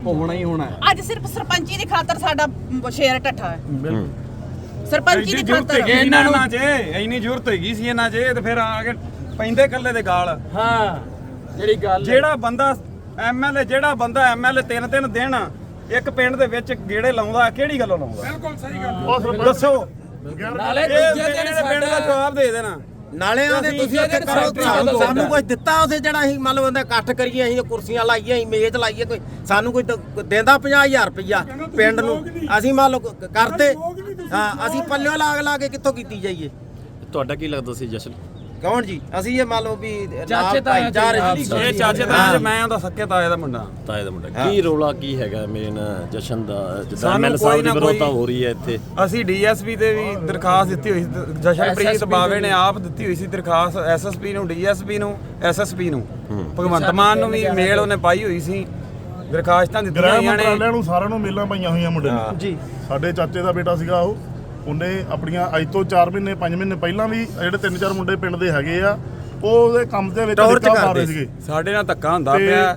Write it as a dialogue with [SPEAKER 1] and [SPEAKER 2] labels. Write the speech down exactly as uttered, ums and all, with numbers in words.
[SPEAKER 1] ਹੋਣਾ ਹੀ ਹੋਣਾ।
[SPEAKER 2] ਅੱਜ ਸਿਰਫ ਸਰਪੰਚੀ ਦੀ ਖਾਤਰ ਸਾਡਾ ਸ਼ੇਰ ਟੱਠਾ ਹੈ। ਸਰਪੰਚੀ ਦੀ ਖਾਤਰ
[SPEAKER 1] ਇਹਨਾਂ ਨੂੰ ਜੇ ਇੰਨੀ ਜ਼ਰੂਰਤ ਹੈਗੀ ਸੀ ਇਹਨਾਂ ਜੇ ਤੇ ਫਿਰ ਆ ਕੇ ਪੈਂਦੇ ਕੱਲੇ ਦੇ ਗਾਲ।
[SPEAKER 3] ਹਾਂ ਜਿਹੜੀ ਗੱਲ
[SPEAKER 1] ਜਿਹੜਾ ਬੰਦਾ ਐਮਐਲਏ ਜਿਹੜਾ ਬੰਦਾ ਐਮਐਲਏ ਤਿੰਨ ਤਿੰਨ ਦਿਨ ਇੱਕ ਪਿੰਡ ਦੇ ਵਿੱਚ ਗੇੜੇ ਲਾਉਂਦਾ ਕਿਹੜੀ ਗੱਲੋਂ ਲਾਉਂਦਾ? ਬਿਲਕੁਲ ਸਹੀ ਗੱਲ ਦੱਸੋ।
[SPEAKER 3] ਨਾਲੇ ਦੂਜੇ ਦਿਨ
[SPEAKER 1] ਪਿੰਡ ਦਾ ਜਵਾਬ ਦੇ ਦੇਣਾ।
[SPEAKER 4] ਨਾਲੇ ਆਦੇ ਤੁਸੀਂ ਉੱਥੇ ਸਾਨੂੰ ਕੁਝ ਦਿੱਤਾ ਉਸੇ ਜਿਹੜਾ ਅਸੀਂ ਮੰਨ ਲਓ ਬੰਦਾ ਇਕੱਠ ਕਰੀਏ, ਅਸੀਂ ਕੁਰਸੀਆਂ ਲਾਈਏ, ਅਸੀਂ ਮੇਜ਼ ਲਾਈਏ, ਕੋਈ ਸਾਨੂੰ ਕੋਈ ਦਿੰਦਾ ਪੰਜਾਹ ਹਜ਼ਾਰ ਰੁਪਈਆ ਪਿੰਡ ਨੂੰ, ਅਸੀਂ ਮੰਨ ਲਓ ਕਰਦੇ ਹਾਂ, ਅਸੀਂ ਪੱਲਿਓ ਲਾਗ ਲਾ ਕੇ ਕਿੱਥੋਂ ਕੀਤੀ ਜਾਈਏ?
[SPEAKER 5] ਤੁਹਾਡਾ ਕੀ ਲੱਗਦਾ ਸੀ ਜਸ਼ਨ?
[SPEAKER 4] ਕੌਣ ਜੀ? ਅਸੀਂ ਇਹ ਮੰਨ ਲਓ ਵੀ
[SPEAKER 3] ਚਾਚੇ ਤਾਏ
[SPEAKER 1] ਇਹ ਚਾਚੇ ਤਾਏ ਮੈਂ ਉਹਦਾ ਸੱਕੇ ਤਾਏ ਦਾ ਮੁੰਡਾ
[SPEAKER 5] ਤਾਏ ਦਾ ਮੁੰਡਾ। ਕੀ ਰੋਲਾ ਕੀ ਹੈਗਾ ਮੇਨ ਜਸ਼ਨ ਦਾ ਜਿੱਦਾਂ
[SPEAKER 1] ਸਾਨੂੰ
[SPEAKER 5] ਐਮਐਲਏ
[SPEAKER 1] ਕੋਈ
[SPEAKER 5] ਸਾਹਿਬ ਦੀ
[SPEAKER 1] ਨਾ
[SPEAKER 5] ਵਿਰੋਧਤਾ
[SPEAKER 1] ਕੋਈ-
[SPEAKER 5] ਹੋ ਰਹੀ ਹੈ ਇੱਥੇ?
[SPEAKER 1] ਅਸੀਂ ਡੀਐਸਪੀ ਤੇ ਵੀ ਦਰਖਾਸਤ ਦਿੱਤੀ ਹੋਈ ਸੀ, ਜਸ਼ਨਪ੍ਰੀਤ ਬਾਵੇ ਨੇ ਆਪ ਦਿੱਤੀ ਹੋਈ ਸੀ ਦਰਖਾਸਤ ਐਸਐਸਪੀ ਨੂੰ, ਡੀਐਸਪੀ ਨੂੰ, ਐਸਐਸਪੀ ਨੂੰ, ਭਗਵੰਤ ਮਾਨ ਨੂੰ ਵੀ ਮੇਲ ਉਹਨੇ ਪਾਈ ਹੋਈ ਸੀ। ਦਰਖਾਸਤਾਂ ਦਿੱਤੀਆਂ ਹੋਈਆਂ ਨੇ
[SPEAKER 6] ਮੰਤਰਾਲਿਆਂ ਨੂੰ ਸਾਰਿਆਂ ਨੂੰ ਮੇਲਾਂ ਪਾਈਆਂ ਹੋਈਆਂ ਮੁੰਡੇ ਨੂੰ ਜੀ। ਸਾਡੇ ਚਾਚੇ ਦਾ ਬੇਟਾ ਸੀਗਾ ਉਹ, ਉਹਨੇ ਆਪਣੀਆਂ ਅੱਜ ਤੋਂ ਚਾਰ ਮਹੀਨੇ ਪੰਜ ਮਹੀਨੇ ਪਹਿਲਾਂ ਵੀ ਜਿਹੜੇ ਤਿੰਨ ਚਾਰ ਮੁੰਡੇ ਪਿੰਡ ਦੇ ਹੈਗੇ ਆ, ਉਹ ਉਹਦੇ ਕੰਮ ਦੇ ਵਿੱਚ
[SPEAKER 4] ਟੌਰਚ
[SPEAKER 6] ਧੱਕਾ
[SPEAKER 4] ਕਰਦੇ
[SPEAKER 6] ਮਾਰੇ ਸੀਗੇ।
[SPEAKER 1] ਸਾਡੇ ਨਾਲ ਧੱਕਾ ਹੁੰਦਾ ਪਿਆ।